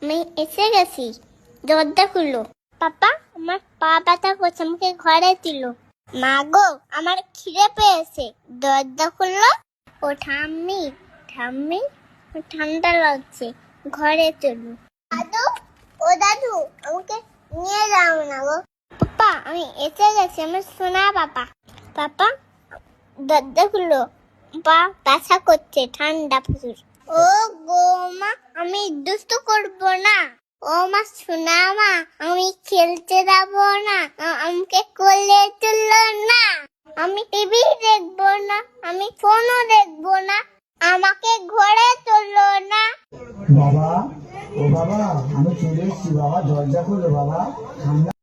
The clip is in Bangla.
আমি এসে গেছি, দরজা খুললো। পাপা, আমার পা ব্যথা করছে, আমাকে ঘরে দিল। মা গো, আমার খিদে পেয়েছে, দরজা খুললো। ও ঠাম্মি, ঠাম্মি, ঠান্ডা লাগছে, ঘরে চলো। দাদু, ও দাদু, আমাকে নিয়ে যাও না গো। পাপা, আমি এসে গেছি, আমার সোনা পাপা। পাপা, দরজা খুললো, পা ব্যথা করছে, ঠান্ডা প্রচুর। ও গো মা, আমি দুষ্টু করবো না। ও মা, শোনা মা, আমি খেলতে যাবো না, আমাকে কোলে তুললো না। আমি টিভি দেখবো না, আমি ফোনও দেখবো না, আমাকে ঘরে তুললো না। বাবা, ও বাবা, আমি চলে এসেছি বাবা, দরজা খোলো বাবা, ঠান্ডা